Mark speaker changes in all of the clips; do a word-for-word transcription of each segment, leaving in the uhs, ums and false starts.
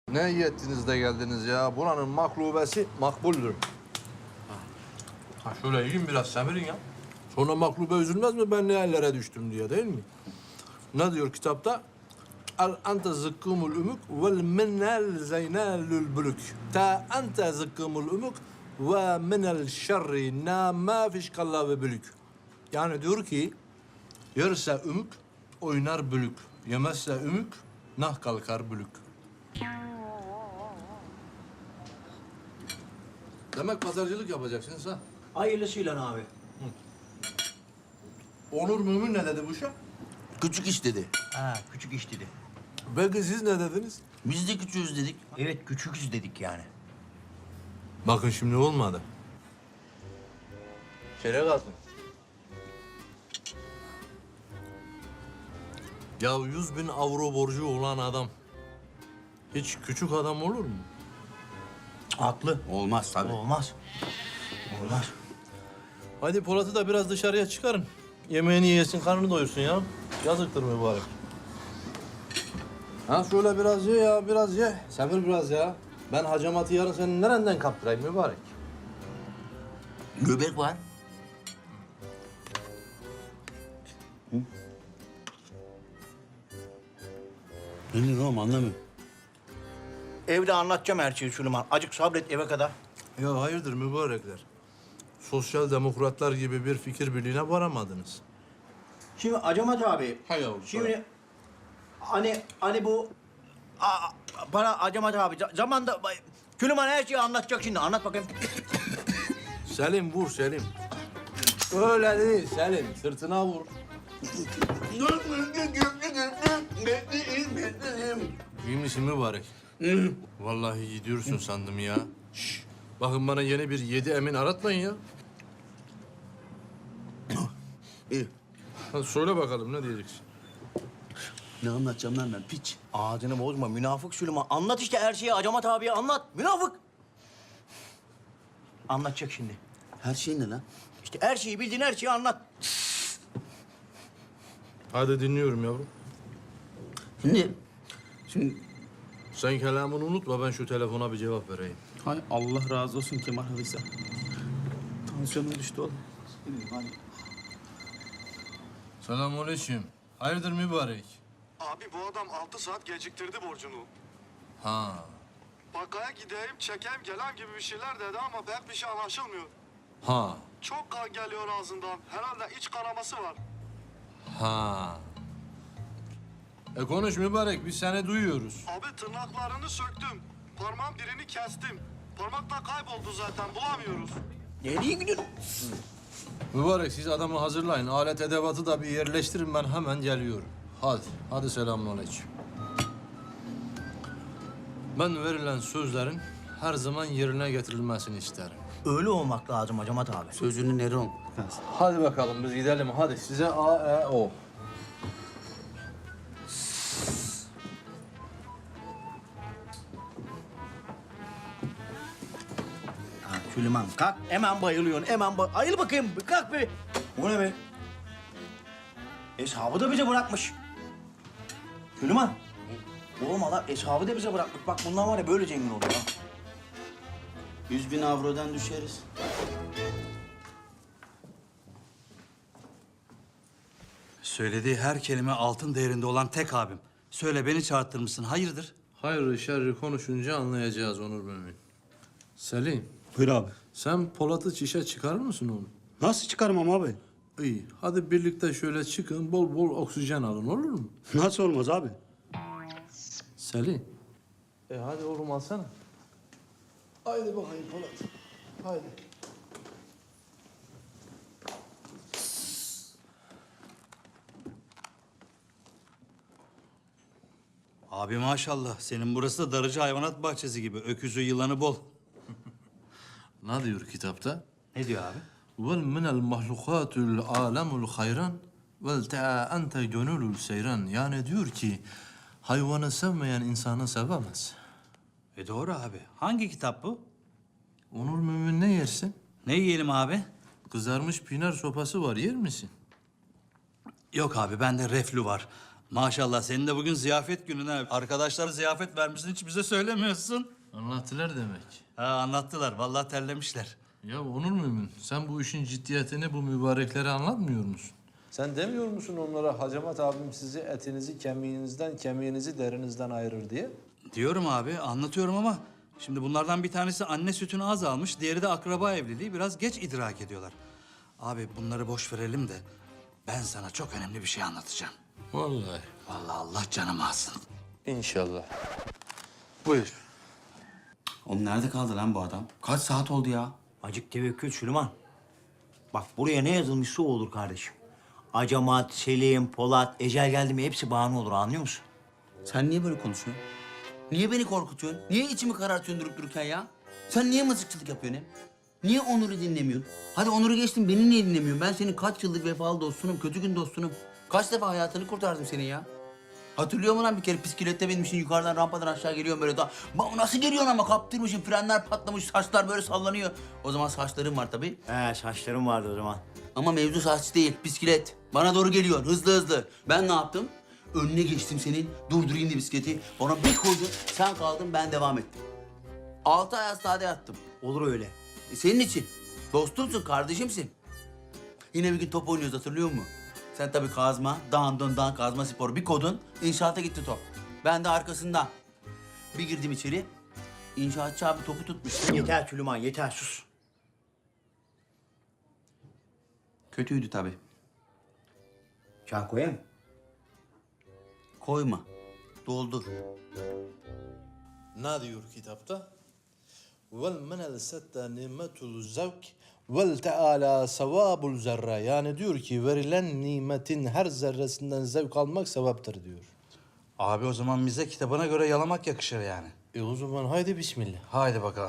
Speaker 1: Ne iyi ettiniz de geldiniz ya. Buranın maklubesi makbuldür. Ha şöyle yiyin biraz semirin ya. Sonra maklube üzülmez mi ben ne ellere düştüm diye değil mi? Ne diyor kitapta? El ente zıkkımul ümük vel minel zeynelül bülük. Ta ente zıkkımul ümük ve minel şerri na ma fişkalla ve bülük. Yani diyor ki yerse ümük oynar bülük. Yemezse ümük nah kalkar bülük. Demek pazarcılık yapacaksınız ha?
Speaker 2: Hayırlısıyla abi.
Speaker 1: Onur Mümin ne dedi bu işe?
Speaker 3: Küçük iş dedi.
Speaker 2: Ha, küçük iş dedi.
Speaker 1: Belki siz ne dediniz?
Speaker 3: Biz de küçüğüz dedik.
Speaker 2: Evet, küçüküz dedik yani.
Speaker 1: Bakın şimdi olmadı. Şöyle kalsın. Ya yüz bin avro borcu olan adam hiç küçük adam olur mu?
Speaker 2: Haklı.
Speaker 3: Olmaz tabii.
Speaker 2: Olmaz. Olmaz.
Speaker 1: Hadi Polat'ı da biraz dışarıya çıkarın. Yemeğini yesin, karnını doyursun ya. Yazıktır mübarek. Ha şöyle biraz ye ya, biraz ye. Sabır biraz ya. Ben hacamatı yarın senin nereden kaptırayım mübarek?
Speaker 3: Göbek var. Ne diyorsun oğlum anlamıyorum.
Speaker 2: Evde anlatacağım her şeyi Süleyman. Acık sabret eve kadar.
Speaker 1: Ya hayırdır mübarekler? Sosyal demokratlar gibi bir fikir birliğine varamadınız.
Speaker 2: Şimdi Acamat abi.
Speaker 1: Hay yavrum,
Speaker 2: Şimdi hani hani bu a, bana Acamat abi za- zamanda Süleyman her şeyi anlatacak şimdi. Anlat bakayım.
Speaker 1: Selim vur Selim. Öyle değil Selim, sırtına vur. İyi misin mübarek? Vallahi gidiyorsun sandım ya. Şş, bakın bana yeni bir yedi emin aratmayın ya.
Speaker 3: İyi.
Speaker 1: Hadi söyle bakalım ne diyeceksin?
Speaker 3: Ne anlatacağım lan ben piç.
Speaker 2: Ağzını bozma münafık Süleyman. Anlat işte her şeyi Acamat abiye anlat. Münafık. Anlatacak şimdi.
Speaker 3: Her şey ne lan?
Speaker 2: İşte her şeyi bildiğin her şeyi anlat.
Speaker 1: Hadi dinliyorum yavrum.
Speaker 3: Şimdi, şimdi
Speaker 1: Sen kelamını unutma ben şu telefona bir cevap vereyim.
Speaker 4: Hay Allah razı olsun Kemal Halisa. Tansiyonum düştü oğlum. Hadi.
Speaker 1: Selamünaleyküm. Hayırdır mübarek?
Speaker 5: Abi bu adam altı saat geciktirdi borcunu.
Speaker 1: Ha.
Speaker 5: Bakkaya gideyim, çekeyim, gelen gibi bir şeyler dedi ama pek bir şey anlaşılmıyor.
Speaker 1: Ha.
Speaker 5: Çok kan geliyor ağzından. Herhalde iç kanaması var.
Speaker 1: Ha. E konuş mübarek biz seni duyuyoruz.
Speaker 5: Abi tırnaklarını söktüm. Parmağın birini kestim. Parmak da kayboldu zaten, bulamıyoruz.
Speaker 2: Nereye gidiyorsun?
Speaker 1: Mübarek siz adamı hazırlayın. Alet edevatı da bir yerleştirin ben hemen geliyorum. Hadi. Hadi selamünaleyküm. Ben verilen sözlerin her zaman yerine getirilmesini isterim.
Speaker 2: Öyle olmak lazım Acamat abi.
Speaker 3: sözünü Neron.
Speaker 1: Hadi bakalım biz gidelim. Hadi size A, E, O.
Speaker 2: Ha, Süleyman kalk. Hemen bayılıyorsun. Hemen bay... Ayıl bakayım. bir Kalk bir. Bu ne be? Eshabı da bize bırakmış. Süleyman. Oğlum adam eshabı da bize bırakmış. Bak bundan var ya böyle zengin oluyor ha.
Speaker 3: Yüz bin avrodan düşeriz.
Speaker 6: Söylediği her kelime altın değerinde olan tek abim. Söyle beni çağırttırmışsın. Hayırdır?
Speaker 1: Hayırlı şerri konuşunca anlayacağız Onur Mümin. Selim,
Speaker 4: Buyur abi.
Speaker 1: sen Polat'ı çişe çıkarır mısın oğlum?
Speaker 4: Nasıl çıkarmam abi?
Speaker 1: İyi. Hadi birlikte şöyle çıkın, bol bol oksijen alın olur mu?
Speaker 4: Nasıl olmaz abi?
Speaker 1: Selim. E hadi oğlum alsana. Haydi bakayım Polat. Haydi.
Speaker 6: Abi maşallah. Senin burası da Darıcı Hayvanat Bahçesi gibi. Öküzü, yılanı bol.
Speaker 1: Ne diyor kitapta?
Speaker 6: Ne diyor abi?
Speaker 1: Vel minel mahlukatul alemul hayran vel te'a ente gönülül seyran. Yani diyor ki hayvanı sevmeyen insanı sevemez.
Speaker 6: E doğru abi. Hangi kitap bu?
Speaker 1: Onur Mümin ne yersin?
Speaker 6: Ne yiyelim abi?
Speaker 1: Kızarmış pinar sopası var yer misin?
Speaker 6: Yok abi bende reflü var. Maşallah senin de bugün ziyafet günün ha. Arkadaşlar ziyafet vermişsin hiç bize söylemiyorsun.
Speaker 1: Anlattılar demek.
Speaker 6: Ha anlattılar vallahi terlemişler.
Speaker 1: Ya Onur Mümin, sen bu işin ciddiyetini bu mübareklere anlatmıyor musun? Sen demiyor musun onlara Hacamat abim sizi etinizi kemiğinizden, kemiğinizi derinizden ayırır diye?
Speaker 6: Diyorum abi anlatıyorum ama şimdi bunlardan bir tanesi anne sütünü az almış, diğeri de akraba evliliği biraz geç idrak ediyorlar. Abi bunları boş verelim de ben sana çok önemli bir şey anlatacağım.
Speaker 1: Vallahi.
Speaker 6: Vallahi Allah canımı alsın.
Speaker 1: İnşallah.
Speaker 6: Buyur.
Speaker 3: Oğlum nerede kaldı lan bu adam? Kaç saat oldu ya?
Speaker 2: Acık tevekkül Süleyman. Bak buraya ne yazılmışsa o olur kardeşim. Acamat, Selim, Polat, ecel geldi mi hepsi bahane olur anlıyor musun?
Speaker 3: Sen niye böyle konuşuyorsun? Niye beni korkutuyorsun? Niye içimi karartıyorsun durup dururken ya? Sen niye mızıkçılık yapıyorsun hem? Niye Onur'u dinlemiyorsun? Hadi Onur'u geçtim, beni niye dinlemiyorsun? Ben senin kaç yıllık vefalı dostunum, kötü gün dostunum. Kaç defa hayatını kurtardım senin ya? Hatırlıyor musun lan bir kere bisiklette binmişsin yukarıdan rampadan aşağı geliyorum böyle da. Ba- Nasıl geliyorsun ama kaptırmışsın, frenler patlamış, saçlar böyle sallanıyor. O zaman saçlarım var tabii.
Speaker 2: He saçlarım vardı o zaman.
Speaker 3: Ama mevzu saç değil, bisiklet. Bana doğru geliyor, hızlı hızlı. Ben ne yaptım? Önüne geçtim senin, durdurayım diye bisikleti. Bana bir koydun, sen kaldın, ben devam ettim. Altı ay hastanede yattım.
Speaker 2: Olur öyle.
Speaker 3: E senin için. Dostumsun, kardeşimsin. Yine bir gün top oynuyoruz, hatırlıyor musun? Sen tabii kazma, dağın dön dağın kazma sporu bir kodun, inşaata gitti top. Ben de arkasından. Bir girdim içeri, inşaatçı abi topu tutmuş.
Speaker 2: Yeter Süleyman yeter sus.
Speaker 3: Kötüydü tabii.
Speaker 2: Çay koyayım.
Speaker 3: Koyma, doldur.
Speaker 1: Ne diyor kitapta? Vel menel sette nimetul zevk vel teala sevabul zerre. Yani diyor ki verilen nimetin her zerresinden zevk almak sevaptır diyor.
Speaker 6: Abi o zaman bize kitabına göre yalamak yakışır yani.
Speaker 1: E o zaman haydi bismillah.
Speaker 6: Haydi bakalım.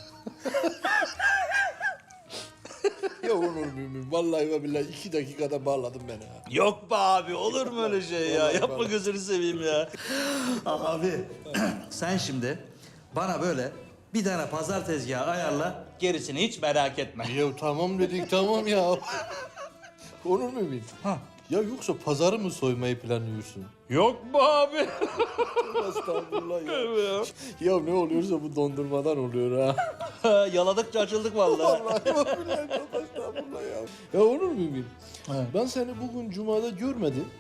Speaker 1: Ya Onur Mümin, vallahi ve billahi iki dakikada bağladın beni ha.
Speaker 6: Yok be abi olur mu öyle şey ya? Yapma gözünü seveyim ya. Abi sen şimdi bana böyle bir tane pazar tezgahı ayarla. Gerisini hiç merak etme.
Speaker 1: Ya tamam dedik tamam ya. Onur Mümin.
Speaker 6: Ha.
Speaker 1: Ya yoksa pazarı mı soymayı planlıyorsun?
Speaker 6: Yok mu abi?
Speaker 1: Estağfurullah ya. Ya ne oluyorsa bu dondurmadan oluyor ha.
Speaker 6: Yaladıkça açıldık vallahi.
Speaker 1: Vallahi billahi çok estağfurullah ya. Ya Onur Mümin. Ben seni bugün Cuma'da görmedim.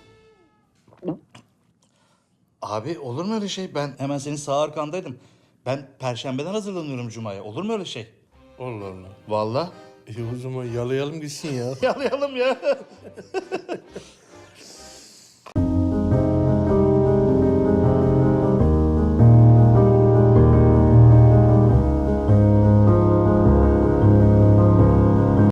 Speaker 6: Abi olur mu öyle şey? Ben hemen senin sağ arkandaydım. Ben perşembeden hazırlanıyorum Cuma'ya. Olur mu öyle şey?
Speaker 1: Allah Allah.
Speaker 6: Vallahi.
Speaker 1: E o zaman yalayalım gitsin ya.
Speaker 6: Yalayalım ya.